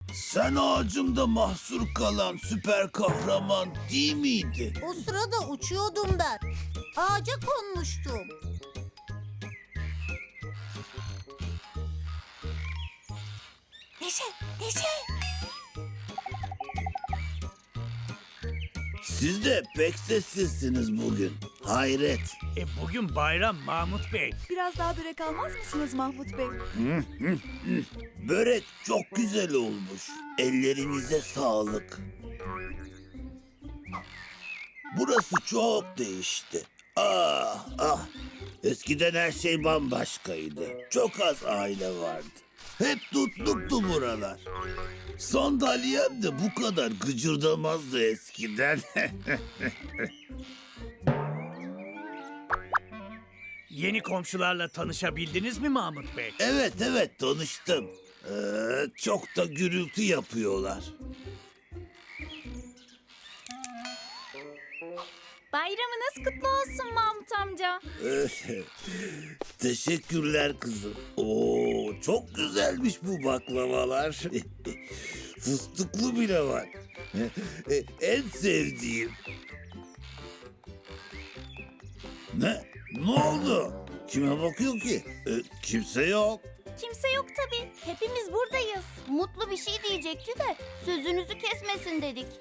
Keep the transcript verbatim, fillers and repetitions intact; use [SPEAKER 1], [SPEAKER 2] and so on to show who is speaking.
[SPEAKER 1] Sen ağacımda mahsur kalan süper kahraman değil miydi?
[SPEAKER 2] O sırada uçuyordum ben. Ağaca konmuştum. Neşe, Neşe.
[SPEAKER 1] Siz de pek sessizsiniz bugün. Hayret.
[SPEAKER 3] E bugün bayram Mahmut Bey.
[SPEAKER 4] Biraz daha börek almaz mısınız Mahmut Bey?
[SPEAKER 1] Börek çok güzel olmuş. Ellerinize sağlık. Burası çok değişti. Ah ah. Eskiden her şey bambaşkaydı. Çok az aile vardı. Hep tutluktu buralar. Sandalyem de bu kadar gıcırdamazdı eskiden.
[SPEAKER 3] Yeni komşularla tanışabildiniz mi Mahmut Bey?
[SPEAKER 1] Evet evet tanıştım. Ee, çok da gürültü yapıyorlar.
[SPEAKER 5] Bayramınız kutlu olsun Mahmut amca.
[SPEAKER 1] Teşekkürler kızım. Oo, çok güzelmiş bu baklavalar. Fıstıklı bile var. En sevdiğim. Ne? Ne oldu? Kime bakıyor ki? Ee, kimse yok.
[SPEAKER 5] Kimse yok tabii. Hepimiz buradayız.
[SPEAKER 2] Mutlu bir şey diyecekti de sözünüzü kesmesin dedik.